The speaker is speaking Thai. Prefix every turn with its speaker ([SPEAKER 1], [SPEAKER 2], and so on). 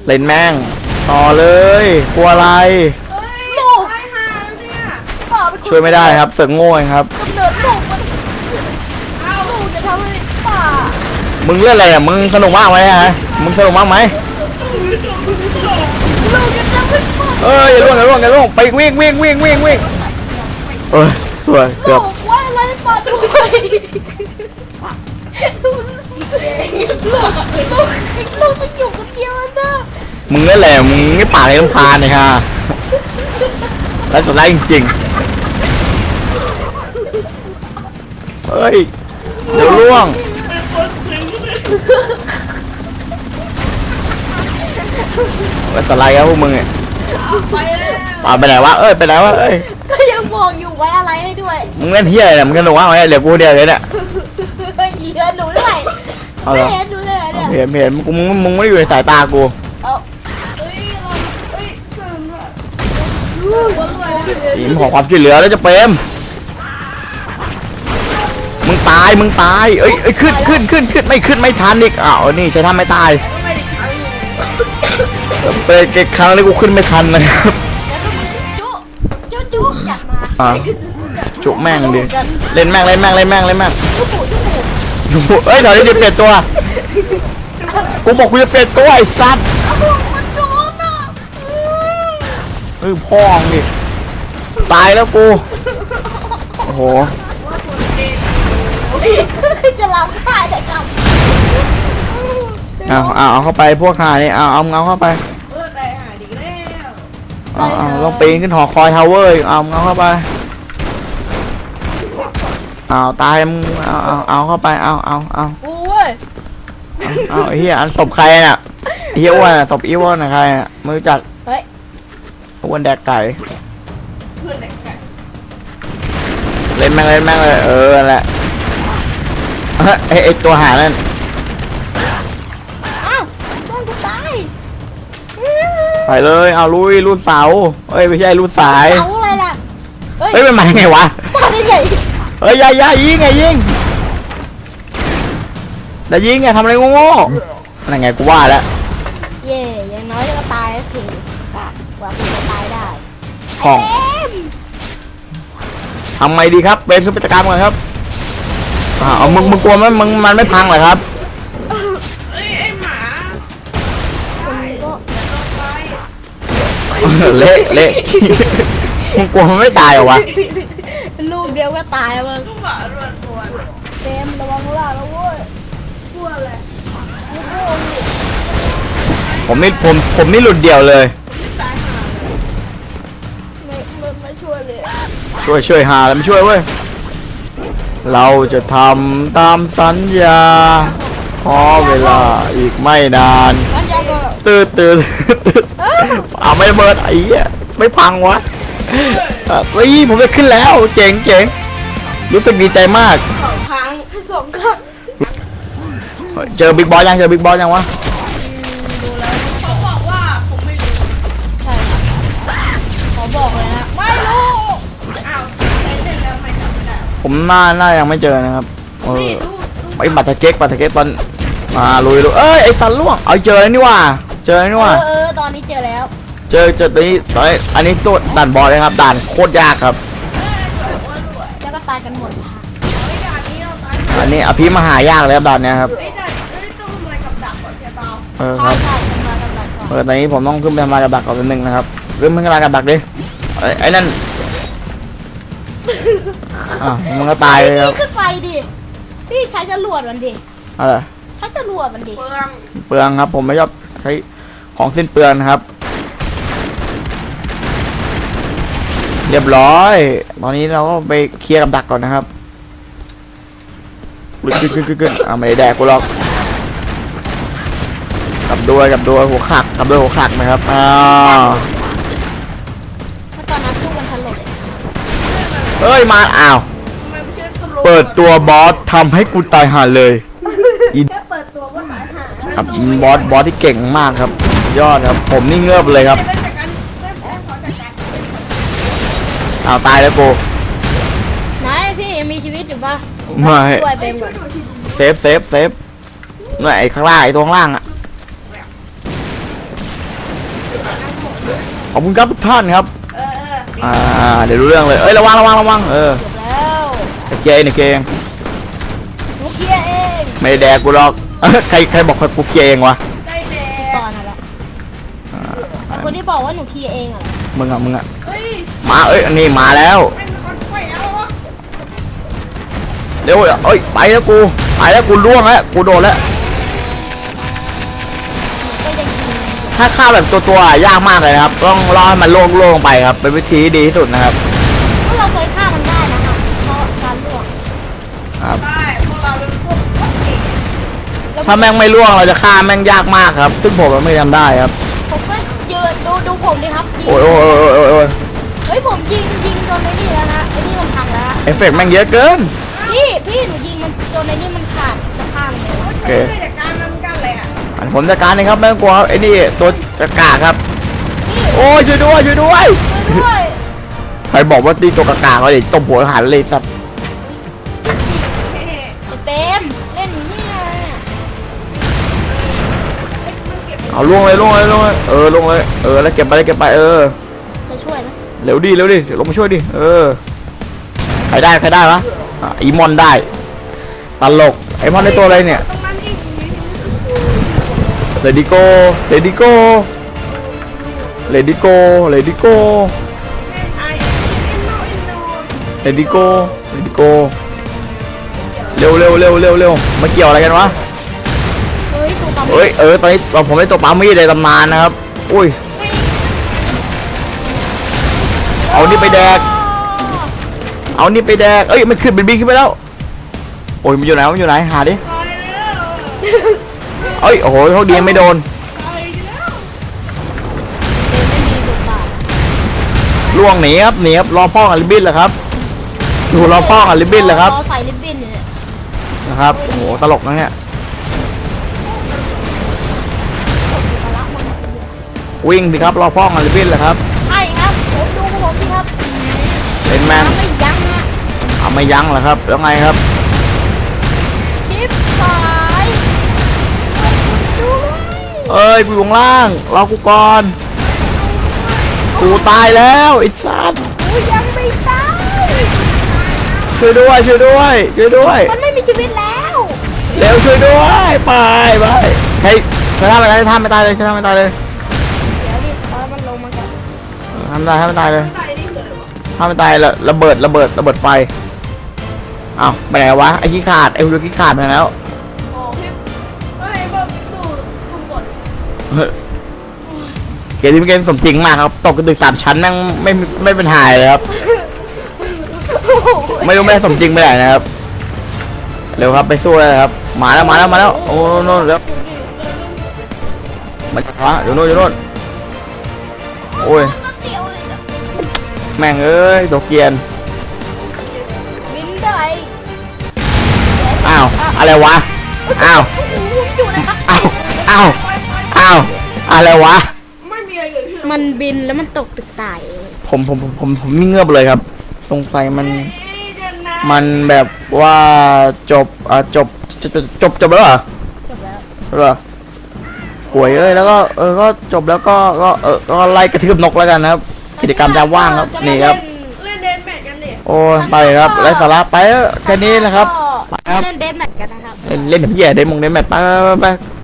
[SPEAKER 1] เล่นแม่งต่อเลยกลัวอะไร
[SPEAKER 2] ลูก
[SPEAKER 1] ช่วยไม่ได้ครับเสือกโง่ครับ
[SPEAKER 2] กำเนิดลูกมันลูกจะทำให้ป่า
[SPEAKER 1] มึงเล่นอะไรอ่ะมึงสนุกมากไหมฮะมึงสนุกมากไหม
[SPEAKER 2] ลูกจะทำให้ป่า
[SPEAKER 1] อย่าล่วงอย่าล่วงอย่าล่วงไปวิ่งสวยเกือบ
[SPEAKER 2] ว่าอะไรป่าด้วยลูกมันอยู่คนเดียวนะ
[SPEAKER 1] มึงเล่นอะไรมึงไม่ป่าเลยลำพานเลยค่ะแล้วสุดท้ายจริงๆเฮ้ยเดี๋ยวล่วงแล้วอะไรครับพวกมึงเนี่ยป่าไปไหนวะไปไหนวะ
[SPEAKER 2] ก็ยังบอกอยู่ไว้อะไรให้ด้วย
[SPEAKER 1] มึงเล่นเฮียอะไรมึงสนุกมากไหมเดี๋ยวกูเดียวเลยเนี่ย
[SPEAKER 2] เหลือหนูด้วยไม่เห็นหนูเลยเนี่ย
[SPEAKER 1] เห็นมึงไม่ได้อยู่ในสายตากูทีมขอความช่วยเหลือแล้วจะเปรมมึงตายขึ้นไม่ทันอีกนี่ใช้ทำไม่ตายเปิดเกครั้งนี้กูขึ้นไม่ทันนะครับ
[SPEAKER 2] จุอยากมา
[SPEAKER 1] จุแม่งดิเล่นแม่งถอยดิเปลี่ยนตัวกูบอกกูจะเปลี่ยนตัวไอ้สัตว์พ่องดิตายแล้วกูโอ้โห
[SPEAKER 2] จะรับได้แต่กลับ
[SPEAKER 1] เอาเข้าไปพวกหานี่เอาเข้าไปลองปีนขึ้นหอคอยทาวเวอร์เอาเข้าไปตายมึงเอาเข้าไปเอา
[SPEAKER 2] โอ้ย
[SPEAKER 1] ไอ้เหี้ยอันศพใครน่ะเหี้ยอ้วนศพอีอ้วนน่ะใครน่ะไม่รู้จักอ้วนแดกไก่เล่นแม่งเลยแหละไอตัวหานั่น
[SPEAKER 2] ต้องกูตาย
[SPEAKER 1] ไปเลยลุยรูดเสาไม่ใช่รูดสาย
[SPEAKER 2] เสาอะไรล่ะ
[SPEAKER 1] มันมาได้ไงวะ
[SPEAKER 2] มาได้ไง
[SPEAKER 1] อย่ายิงแต่ยิงไงทำอะไรโง่นั่นไงกูว่าแล้ว
[SPEAKER 2] เย่ยังน้อยก็ตายแล้วทีกว่ากูจะตายได้
[SPEAKER 1] ของทำไงดีครับเป็นขึ้นไปจัดการก่อนครับมึงกลัวมั้ยมันไม่พังเหรอครับเละมึงกลัวมันไม่ตายเหรอวะ
[SPEAKER 2] ลูกเดียวก็ตายมึงเต็มระวังล่ะแล้วเว้ยกลัวอะไร
[SPEAKER 1] ผมนี่หลุดเดี่ยวเลย
[SPEAKER 2] ไม่ช่วยเลย
[SPEAKER 1] ช่วยหาแล้วไม่ช่วยเว้ยเราจะทำตามสัญญาขอเวลาอีกไม่นานตื่นไม่เบิดไอ้เหี้ยไม่พังวะผมจะขึ้นแล้วเจ๋งรู้สึกดีใจมาก
[SPEAKER 2] พัง2 ครั้ง
[SPEAKER 1] เจอบิ๊กบอสยังวะ
[SPEAKER 2] ดูแล้วเขาบอกว่าผมไม่รู้ใช่ขอบอกเลยนะไม่รู้
[SPEAKER 1] ผมน่ายังไม่เจอนะครับไอ้บัตรเก๊กตอนมาลุยไอ้สันล่วงเจอแล้วนี่ว่า
[SPEAKER 2] ตอนนี้เจอแล้ว
[SPEAKER 1] เจอตัวนี้อันนี้ตัวด่านบอสเลยครับด่านโคตรยากครับ
[SPEAKER 2] แล้วก็ตายกันหมด
[SPEAKER 1] อันนี้อภิมหายากเลยครับด่านนี้ครับครับตอนนี้ผมต้องขึ้นไปทำลายกับดักก่อนนึงนะครับขึ้นไปทำลายกับดักดิไอ้นั่นมันก็ตายเลยครับ
[SPEAKER 2] ขึ้นไปดิพี่ใช้จรวดมันดิ
[SPEAKER 1] อะไร
[SPEAKER 2] ใช้จรวดมันดิ
[SPEAKER 1] เปลืองครับผมไม่ชอบใช้ของสิ้นเปลืองนะครับเรียบร้อยตอนนี้เราก็ไปเคลียร์กับดักก่อนนะครับขึ้นไม่ได้แดกกูหรอกกับด้วยหัวขักนะครับ
[SPEAKER 2] ตอนนั้นตู้มันถล่ม
[SPEAKER 1] มาเปิดตัวบอสทำให้กูตายห่าเลย
[SPEAKER 2] แค่เปิดตัวก็ตายห่า
[SPEAKER 1] ครับบอสที่เก่งมากครับยอดครับผมนี่เงือบเลยครับตายแล้วกู
[SPEAKER 2] ไหนพี่ยังมีชีวิตอยู่ปะ
[SPEAKER 1] ไม่เซฟ
[SPEAKER 2] เ
[SPEAKER 1] นี่ยไอ้ข้างล่างไอ้ตัวข้างล่างขอบคุณครับทุกท่านครับ
[SPEAKER 3] เออ
[SPEAKER 1] เดี๋ยวรู้เรื่องเลยเอ้ยระวังระวังระวัง
[SPEAKER 2] จบแล้ว
[SPEAKER 1] ตะเกียงเนี่ยเกง
[SPEAKER 2] หนูเคลียร์เอง
[SPEAKER 1] ไม่ได้แดกกูหรอก ใครบอกกูเกงวะ
[SPEAKER 3] ได้แด
[SPEAKER 2] ต
[SPEAKER 3] ง
[SPEAKER 2] อนนั้นแหละแต่คนที่บอกว่าหนูเคลียร์เองอะ
[SPEAKER 1] มึงอะ
[SPEAKER 3] เฮ้ย
[SPEAKER 1] มาเอ้ยอันนี้มาแล้ว
[SPEAKER 3] เป็นคนป่วยแล้วเหรอ
[SPEAKER 1] เร็วเอ้ยไปแล้วกูล่วงแล้วกูโดนแล้ว
[SPEAKER 2] ก็ยังกิน
[SPEAKER 1] ถ้าฆ่าแบบตัวยากมากเลยนะครับต้องรอให้มันโล่งๆไปครับเป็นวิธีที่ดีที่สุดนะครับ
[SPEAKER 2] ก็เราเคยฆ่ามันได้นะคะเพราะการลวก
[SPEAKER 1] ครับ
[SPEAKER 3] ได้พวกเราเป็นพวกเก่ง
[SPEAKER 1] ถ้าแม่งไม่ล่วงเราจะฆ่าแม่งยากมากครับซึ่งผมไม่ทำได้ครับ
[SPEAKER 2] ผมก็ยืนดูผมดิครับยิง
[SPEAKER 1] โอ้ย
[SPEAKER 2] เฮ้ยผมยิงจนไอ้นี่แล้วนะไอ้นี่มันพังแล้ว
[SPEAKER 1] เอฟเฟกต์แม่งเยอะเกิน
[SPEAKER 2] พี่หนูยิงมันจนไอ้นี่มันขาดจะข้ามเลย
[SPEAKER 1] โอเค
[SPEAKER 3] เพื่อจากการนำกันเลยอ่ะ
[SPEAKER 1] ผมจัดการเองครับไม่ต้องกลัวครับไอ้นี่ตัวกากๆครับ
[SPEAKER 2] พี่
[SPEAKER 1] โอ้ยช่วยด้วย
[SPEAKER 2] ด้วย
[SPEAKER 1] ใครบอกว่าตีตัวกากๆเขาจะตบหัวหันเลยสัตว์
[SPEAKER 3] เฮ้ย
[SPEAKER 2] ไอ้เต็มเล่นนี่ไง
[SPEAKER 3] มันเก็บ
[SPEAKER 1] เอาล่วงเลยล่วงเลยแล้วเก็บไปจะ
[SPEAKER 2] ช่วยไหม
[SPEAKER 1] เร็วดิเดี๋ยวลงมาช่วยดิใครได้วะอีมอนได้ตลกไอมอนได้ตัวอะไรเนี่ย
[SPEAKER 3] ตรงนั้นอีกนิดนึง
[SPEAKER 1] เลดิโก
[SPEAKER 3] ไอ้อินโน
[SPEAKER 1] เลดิโก
[SPEAKER 3] อินโน
[SPEAKER 1] เร็วมาเกี่ยวอะไรกันวะ
[SPEAKER 2] เฮ้ยสูตร
[SPEAKER 1] เอ้ยตอนนี้ผมได้ตัวปามีดในตำนานนะครับอุ้ยเอานี่ไปแดกเอ้ยมันขึ้นเป็นบินขึ้นไปแล้วโอ้ยมันอยู่ไหนหาดิ
[SPEAKER 3] ตายแล้ว
[SPEAKER 1] เอ้ยโอ้โหโชคดีไม่โดน
[SPEAKER 3] ตายแล้ว
[SPEAKER 2] ไม่มีบทบาท
[SPEAKER 1] ล่วงหนีครับรอพ่อกับลิบบิ้นเหรอครับอยู่รอพ่อกับลิบบิ้นเหรอครับ
[SPEAKER 2] รอใส่ลิบบิ้นเนี่ย
[SPEAKER 1] นะครับโอ้โหตลกนะเนี่ยวิ่งสิครับรอพ่อกับลิบบิ้นเหรอครับ
[SPEAKER 2] ใช่ครับผมดูผมสิครับ
[SPEAKER 1] เป็นแมน
[SPEAKER 2] ไม่ยั้งฮะ
[SPEAKER 1] เอาไม่ยั้งเหรอครับแล้วไงครับ
[SPEAKER 2] ชิปสายดู
[SPEAKER 1] เอ้ยกูอยู่ข้างล่างรอกูก่อนกูตายแล้วไอ้สัส
[SPEAKER 2] กูยังไม่ตาย
[SPEAKER 1] ช่วยด้วย
[SPEAKER 2] มันไม่มีชีวิตแล้ว
[SPEAKER 1] เร็วช่วยด้วยไปเฮ้ยใช้ท่าไม่ตายเลย
[SPEAKER 2] เดี๋ยวดิเอามันลงมาก่อน
[SPEAKER 1] ทำไม่ตายเลย
[SPEAKER 3] ตายนี่คืออะไรวะ
[SPEAKER 1] ถ้าไม่ตายระเบิดไฟอ้าวไปไหนวะไอ้ขี้ขาดไอ้หุ่นขี้ขาดไปไหนแล้ว
[SPEAKER 3] อ๋อพี่ก็ให้บอกพิสูจน์คุณกด
[SPEAKER 1] เกมนี้เป็นเกมสมจริงมากครับตกกระตึก3 ชั้นแม่งไม่เป็นหายเลยครับไม่รู้แม่สมจริงไปไหนนะครับเร็วครับไปสู้เลยครับมาแล้วโอ้โน่นแล้วมาช้าอยู่โน่นโอ้ย
[SPEAKER 3] ก็เตียวเลยอะ
[SPEAKER 1] แม่งเอ้ยตัวเกียน
[SPEAKER 2] บินได้
[SPEAKER 1] อ้าวอะไรวะอ้าว
[SPEAKER 2] โอ้โหอยู่นะครับ
[SPEAKER 1] อ้าวอะไรวะ
[SPEAKER 3] ไม่มีอะไรเกิดขึ้น
[SPEAKER 2] มันบินแล้วมันตกตึกตายเอง
[SPEAKER 1] ผมนี่เงือบเลยครับสงสัยมัน
[SPEAKER 3] เอ้ยเดินนะ
[SPEAKER 1] มันแบบว่าจบแล้วเหรอ
[SPEAKER 2] จบแล้ว
[SPEAKER 1] เหรอป่วยแล้วก็ก็จบแล้วก็ไล่กระทืบนกแล้วกันนะครับ กิจกรรมยามว่างครับนี่ครับ
[SPEAKER 3] เล่นเดนแมทกันดิ
[SPEAKER 1] โอ้ยไปครับไร้สาระไปแค่นี้นะครับ
[SPEAKER 2] เล่นเดนแมทกันนะครับ
[SPEAKER 1] เล่นแบบเหี้ยได้มงได้แมทไป